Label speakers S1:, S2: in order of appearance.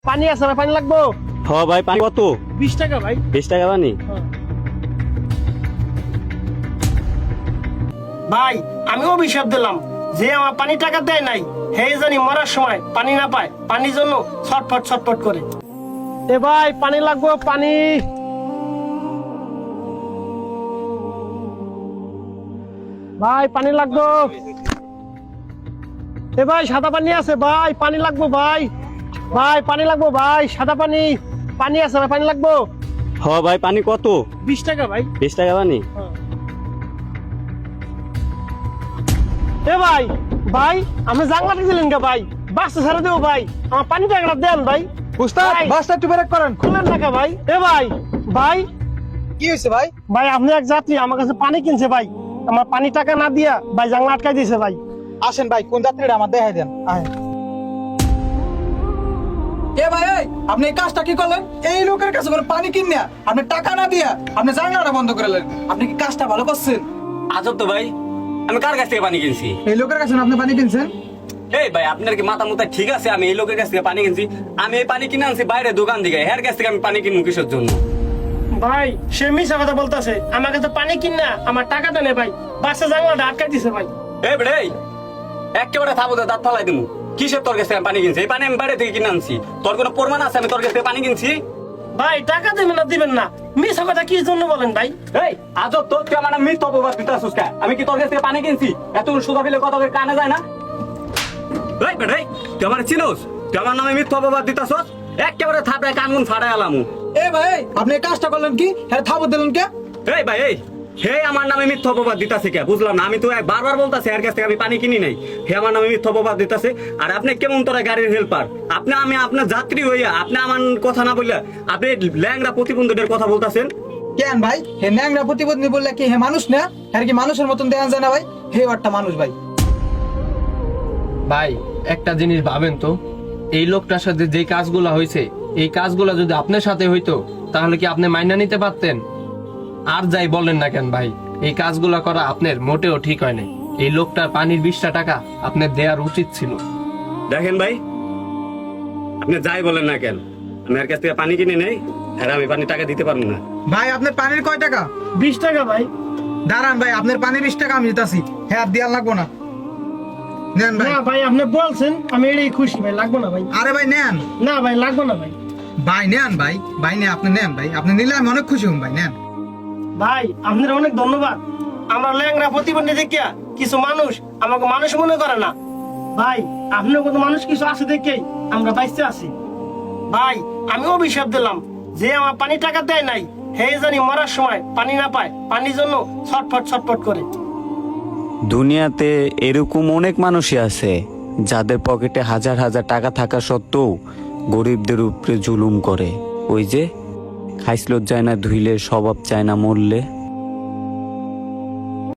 S1: পানি আছে না? পানি লাগবো?
S2: হ ভাই, পানি কত?
S1: 20 টাকা ভাই।
S2: 20 টাকা পানি?
S1: ভাই আমি অভিশাপ দিলাম, যে আমার পানি টাকা দেয় নাই হে জানি মরার সময় পানি না পায়, পানির জন্য ছটফট ছটফট করে। এ ভাই পানি লাগবো, পানি। ভাই পানি লাগবো। এ ভাই সাদা পানি আছে ভাই, পানি লাগবো ভাই। ভাই পানি লাগবো ভাই, সাদা পানি। পানি আছে না? পানি লাগবো।
S2: হ ভাই, পানি কত?
S1: 20 টাকা ভাই।
S2: 20 টাকা পানি?
S1: এ ভাই, ভাই আপনি জানলাটা দিলেন কে ভাই? বাসটা ছেড়ে দেবো ভাই, আমার পানি টাকাটা দেন ভাই।
S3: উস্তাদ
S1: ভাই।
S3: বাসটা একটু ব্রেক করেন।
S1: খুলেন টাকা ভাই। এ ভাই, ভাই
S3: কি হয়েছে ভাই?
S1: ভাই আপনি এক যাত্রী আমার কাছে পানি কিনছে ভাই, আমার পানি টাকা না দিয়া ভাই জানলা আটকাই দিয়েছে ভাই।
S3: আসেন ভাই, কোন যাত্রীটা আমার দেখাই দেন। আয় এ ভাই, এই আপনি এই কাজটা কি করলেন? এই লোকের কাছে করে পানি কিনে আপনি টাকা না দিয়া আপনি জানলাটা বন্ধ করে দিলেন। আপনি কি কাজটা ভালো করছেন?
S2: আজব তো ভাই, আমি কার কাছ থেকে পানি কিনছি?
S3: এই লোকের কাছে না আপনি পানি কিনছেন?
S2: এই ভাই, আপনার কি মাথা মুথা ঠিক আছে? আমি এই লোকের কাছ থেকে পানি কিনছি? আমি এই পানি কিনে আনছি বাইরে দোকান থেকে, এর কাছ থেকে আমি পানি কিনবো কিসের জন্য?
S1: ভাই সে মিশা কথা বলতেছে, আমার কাছে পানি কিনা আমার টাকাটা নে ভাই, বাসা জানলাটা আটকাই দিয়েছে ভাই।
S2: এই বেড়ে, একেবারে থাবো দাঁত ফালাই দিমু। কিসের তোর কাছ থেকে আমি পানি কিনছি? এই পানি আমি বাইরে থেকে কিনে আনছি। তোর কোনো প্রমাণ আছে আমি তোর কাছ থেকে পানি কিনছি?
S1: ভাই টাকা দেবেন না দিবেন না, মিশা কথা কি জন্য বলেন ভাই?
S2: এই আজব তো, তুই আমার মিথ্যা অপবাদ দিতেছিস কেন? আমি কি তোর কাছ থেকে পানি কিনছি? এত সুদা ফেলে কথা বলে কানে যায় না? এই বেড়ে, তুই আমার চিনোস? তুই আমার নামে মিথ্যা অপবাদ দিতেছিস? একেবারে থাপড়ায় কানগুন ফাড়াই আলামু।
S3: এ ভাই, আপনি এই কাজটা করলেন কি? হ্যাঁ থাবো দিলেন কে?
S2: এই ভাই, এই হে আমার নামে মিথ্যা অপবাদ দিতাছে কে? বুঝলাম না। আমি তো বারবার বলতাছি এর কাছ থেকে আমি পানি কিনি নাই, হে আমার নামে মিথ্যা অপবাদ দিতাছে। আর আপনি কেমন তোরা গাড়ির হেল্পার? আপনি আমি আপনার যাত্রী হইয়া আপনি আমার কথা না বললে আপনি ল্যাংড়া প্রতিবন্ধীদের কথা বলতাছেন।
S3: কেন ভাই, হে ন্যাংরা প্রতিবন্ধী বললে কি হে মানুষ না? হ্যাঁ কি মানুষের মতন দেখান যায় না ভাই? হে একটা মানুষ ভাই।
S4: ভাই একটা জিনিস ভাবেন তো, এই লোকটার সাথে যে কাজগুলা হয়েছে, এই কাজগুলা যদি আপনার সাথে হইতো তাহলে কি আপনি মাইনা নিতে পারতেন? আর যাই বলেন না কেন ভাই, এই কাজগুলা করা আপনার মোটেও ঠিক হয় না। এই লোকটার পানির 20টা টাকা আপনার দেওয়ার উচিত ছিল।
S2: দেখেন ভাই, আপনি যাই বলেন না কেন, আমি এর কাছ থেকে পানি কিনে নেই, আর আমি পানি টাকা দিতে পারবো না।
S3: ভাই আপনার পানির কয় টাকা?
S1: 20 টাকা ভাই।
S3: দাঁড়ান ভাই, আপনার পানির 20 টাকা আমি দিতেছি। হ্যাঁ আর দেওয়ার লাগবো না। নেন ভাই।
S1: না ভাই আপনি বলছেন আমি এটাই খুশি ভাই, লাগবো না ভাই।
S3: আরে ভাই নেন।
S1: না ভাই লাগবো না ভাই।
S3: ভাই নেন ভাই, ভাই নেন, আপনি নেন ভাই, আপনি নিলে আমি অনেক খুশি হম ভাই, নেন।
S1: ভাই আপনার অনেক ধন্যবাদ। আমরা ল্যাংরা প্রতিবন্ধী দেখিয়া কিছু মানুষ আমাকে মানুষ মনে করে না ভাই, আপনার কত মানুষ কিছু আছে দেখেই আমরা বাইসে আছি ভাই। আমি অভিশাপ দিলাম, যে আমার পানি টাকা দেয় নাই হে জানি মরার সময় পানি না পায়, পানির জন্য ছটফট ছটফট করে।
S5: দুনিয়াতে এরকম অনেক মানুষই আছে যাদের পকেটে হাজার হাজার টাকা থাকা সত্ত্বেও গরিবদের উপরে জুলুম করে। ওই যে খাইসলত যায় না ধুইলে, স্বভাব চায় না মরলে।